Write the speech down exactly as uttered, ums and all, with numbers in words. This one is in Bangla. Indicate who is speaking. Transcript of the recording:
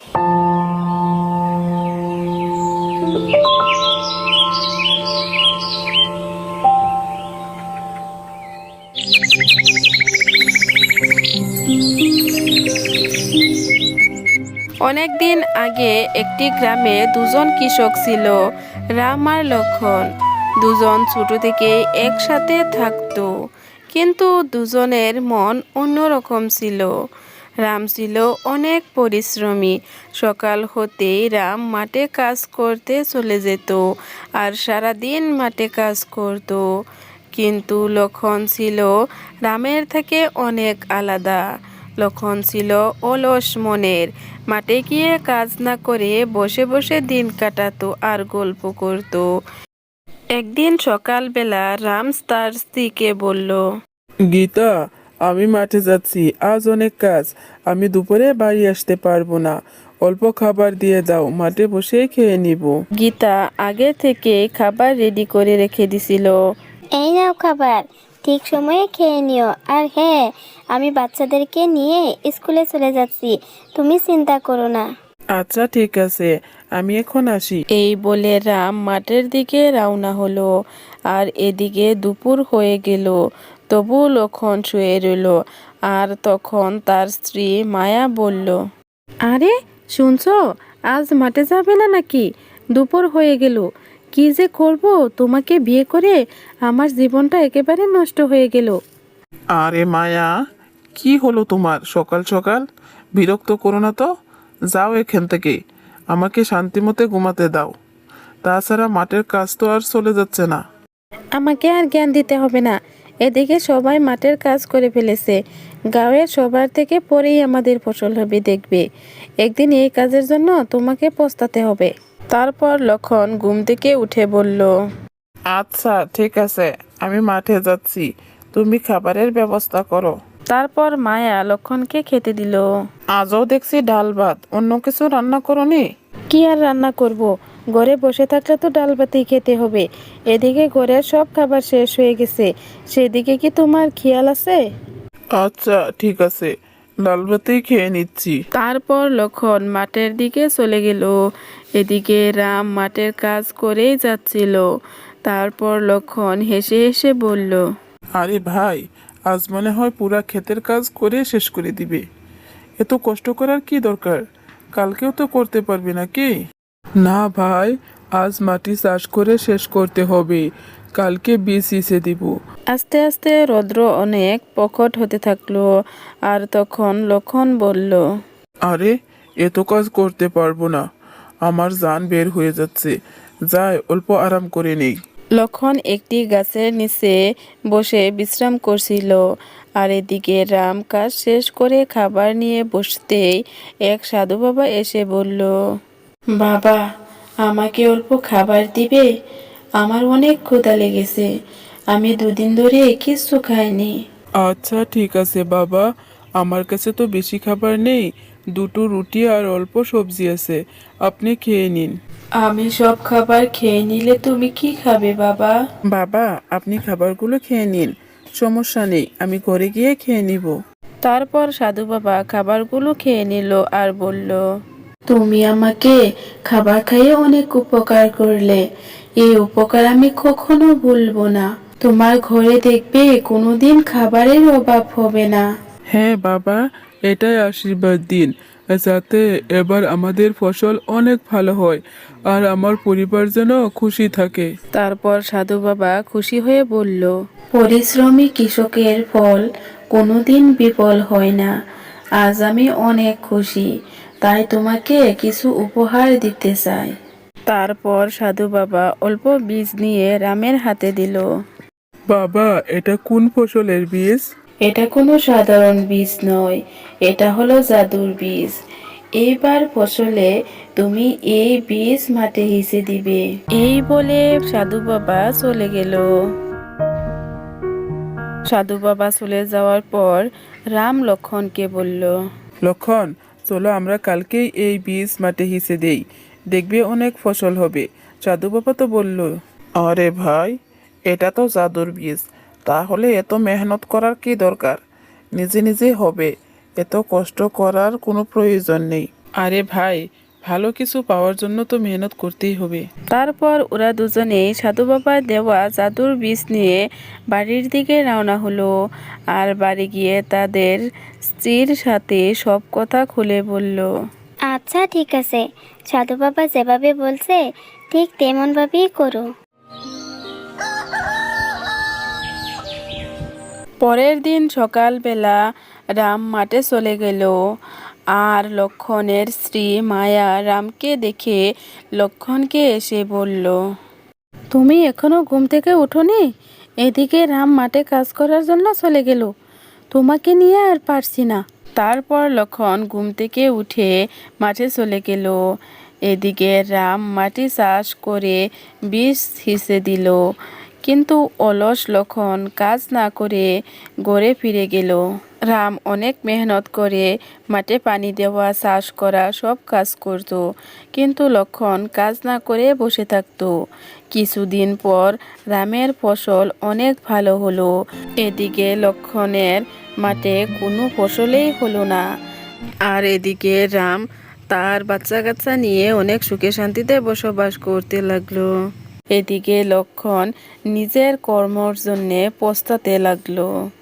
Speaker 1: অনেক দিন আগে একটি গ্রামে দুজন কৃষক ছিল, রাম আর লক্ষণ। দুজন ছোট থেকে একসাথে থাকতো, কিন্তু দুজনের মন অন্যরকম ছিল। রাম ছিল অনেক পরিশ্রমী। সকাল হতেই রাম মাঠে কাজ করতে চলে যেত আর সারাদিন মাঠে কাজ করত। কিন্তু লক্ষণ ছিল রামের থেকে অনেক আলাদা। লক্ষণ ছিল অলস মনের। মাঠে গিয়ে কাজ না করে বসে বসে দিন কাটাতো আর গল্প করত। একদিন সকালবেলা রাম তার স্ত্রীকে বলল,
Speaker 2: গীতা, আমি মাঠে যাচ্ছি, আজ অনেক কাজ, আমি দুপুরে বাড়ি আসতে পারবো না। অল্প খাবার দিয়ে দাও, মাঠে বসে খেয়ে নিব।
Speaker 1: গীতা আগে থেকে খাবার রেডি করে রেখে দিছিল।
Speaker 3: এই নাও খাবার, ঠিক সময়ে খেয়ে নিও। আর হ্যাঁ, আমি বাচ্চাদেরকে নিয়ে স্কুলে চলে যাচ্ছি, তুমি চিন্তা করো না।
Speaker 2: আচ্ছা ঠিক আছে, আমি এখন আসি।
Speaker 1: এই বলে রাম মাঠের দিকে রওনা হলো। আর এদিকে দুপুর হয়ে গেল, তবু লক্ষণ শুয়ে রইল। আর তখন তার স্ত্রী মায়া বলল, আরে শুনছো, আজ মাঠে যাবে না নাকি? দুপুর হয়ে গেল, কি যে করব, তোমাকে বিয়ে করে আমার জীবনটা একেবারে নষ্ট হয়ে গেল।
Speaker 2: আরে মায়া, কি হলো তোমার সকাল সকাল? বিরক্ত করো না তো, যাও এখান থেকে, আমাকে শান্তিমতে ঘুমাতে দাও। তাছাড়া মাঠের কাজ তো আর চলে যাচ্ছে না।
Speaker 1: আমাকে আর জ্ঞান দিতে হবে না, এদিকে সবাই মাঠের কাজ করে ফেলেছে। গাঁয়ের সবার থেকে পরেই আমাদের ফসল হবে, দেখবে একদিন এই কাজের জন্য তোমাকে পস্তাতে হবে। তারপর লক্ষণ ঘুম থেকে উঠে বলল,
Speaker 2: আচ্ছা ঠিক আছে, আমি মাঠে যাচ্ছি, তুমি খাবারের ব্যবস্থা করো।
Speaker 1: তারপর মায়া লক্ষণকে খেতে দিল।
Speaker 2: আজও দেখছি ডাল ভাত, অন্য কিছু রান্না করোনি?
Speaker 1: কি আর রান্না করব, ঘরে বসে থাকলে তো ডাল ভাতেই খেতে হবে। এদিকে ঘরের সব খাবার শেষ হয়ে গেছে, সেদিকে কি তোমার খেয়াল আছে?
Speaker 2: আচ্ছা ঠিক আছে, ডাল ভাতেই খেয়ে নিচ্ছি।
Speaker 1: তারপর লক্ষণ মাঠের দিকে চলে গেল। এদিকে রাম মাঠের কাজ করেই যাচ্ছিল। তারপর লক্ষণ হেসে হেসে বলল,
Speaker 2: আরে ভাই, আজ মনে হয় পুরা ক্ষেতের কাজ করে শেষ করে দিবে। এত কষ্ট করার কি দরকার? কালকেও তো করতে পারবি নাকি? না ভাই, আজ মাটি চাষ করে শেষ করতে হবে, কালকে বীজ সিঁচে দিব।
Speaker 1: আস্তে আস্তে রৌদ্র অনেক প্রখর হতে থাকলো। আর তখন লক্ষণ বলল,
Speaker 2: আরে, এত কাজ করতে পারবো না, আমার জান বের হয়ে যাচ্ছে, যাই অল্প আরাম করে নেই।
Speaker 1: লক্ষণ একটি গাছের নিচে বসে বিশ্রাম করছিল। আর এদিকে রাম কাজ শেষ করে খাবার নিয়ে বসতেই এক সাধু বাবা এসে বলল, বাবা, আমাকে অল্প খাবার দিবে? আমার অনেক ক্ষুধা লেগেছে, আমি দুদিন ধরে কিছু খাইনি।
Speaker 2: আচ্ছা ঠিক আছে বাবা, আমার কাছে তো বেশি খাবার নেই, দুটো রুটি আর অল্প সবজি আছে, আপনি খেয়ে নিন।
Speaker 1: আমি সব খাবার খেয়ে নিলে তুমি কি খাবে বাবা?
Speaker 2: বাবা, আপনি খাবারগুলো খেয়ে নিন, সমস্যা নেই, আমি ঘরে গিয়ে খেয়ে নিব।
Speaker 1: তারপর সাধু বাবা খাবারগুলো খেয়ে নিল আর বলল, তুমি আমাকে খাবার খাইয়ে অনেক উপকার করলে, এই উপকার আমি কখনো ভুলবো না। তোমার ঘরে দেখবে কোনোদিন খাবারের অভাব হবে না।
Speaker 2: হ্যাঁ বাবা, এটাই আশীর্বাদ দিন, যাতে এবার আমাদের ফসল অনেক ভালো হয় আর আমার পরিবার যেন খুশি থাকে।
Speaker 1: তারপর সাধু বাবা খুশি হয়ে বলল, পরিশ্রমী কৃষকের ফল কোনোদিন বিফল হয় না। আজ আমি অনেক খুশি, তাই তোমাকে কিছু উপহার দিতে চাই। তারপর সাধু বাবা অল্প বীজ নিয়ে রামের হাতে দিল।
Speaker 2: বাবা, এটা কোন ফসলের বীজ?
Speaker 1: এটা কোনো সাধারণ বীজ নয়, এটা হলো জাদুর বীজ। এইবার ফসলে তুমি এই বীজ মাঠে হিসে দিবে। এই বলে সাধু বাবা চলে গেল। সাধু বাবা চলে যাওয়ার পর রাম লক্ষণকে বলল,
Speaker 2: লক্ষণ, চলো আমরা কালকেই এই বীজ মাঠে হিসে দেই, দেখবে অনেক ফসল হবে। সাধু বাবা তো বলল, আরে ভাই, এটা তো জাদুর বীজ, তাহলে এত মেহনত করার কি দরকার? নিজে নিজে হবে, এত কষ্ট করার কোনো প্রয়োজন নেই। আরে ভাই, ভালো কিছু পাওয়ার জন্য তো মেহনত করতেই হবে।
Speaker 1: তারপর ওরা দুজনেই সাধু বাবার দেওয়া জাদুর বীজ নিয়ে বাড়ির দিকে রওনা হলো। আর বাড়ি গিয়ে তাদের স্ত্রীর সাথে সব কথা খুলে বলল।
Speaker 3: আচ্ছা ঠিক আছে, সাধু বাবা যেভাবে বলছে ঠিক তেমনভাবেই করো।
Speaker 1: পরের দিন সকালবেলা রাম মাঠে চলে গেল। আর লক্ষণের স্ত্রী মায়া রামকে দেখে লক্ষণকে এসে বলল, তুমি এখনো ঘুম থেকে উঠোনি? এদিকে রাম মাঠে কাজ করার জন্য চলে গেল, তোমাকে নিয়ে আর পারছি না। তারপর লক্ষণ ঘুম থেকে উঠে মাঠে চলে গেল। এদিকে রাম মাটি চাষ করে বীজ হিসে দিল, কিন্তু অলস লক্ষণ কাজ না করে ঘরে ফিরে গেল। রাম অনেক মেহনত করে মাঠে পানি দেওয়া, চাষ করা সব কাজ করত, কিন্তু লক্ষণ কাজ না করে বসে থাকত। কিছুদিন পর রামের ফসল অনেক ভালো হলো। এদিকে লক্ষণের মাঠে কোনো ফসলেই হলো না। আর এদিকে রাম তার বাচ্চা কাচ্চা নিয়ে অনেক সুখে শান্তিতে বসবাস করতে লাগলো। এদিকে লক্ষণ নিজের কর্মর জন্যে পস্তাতে লাগলো।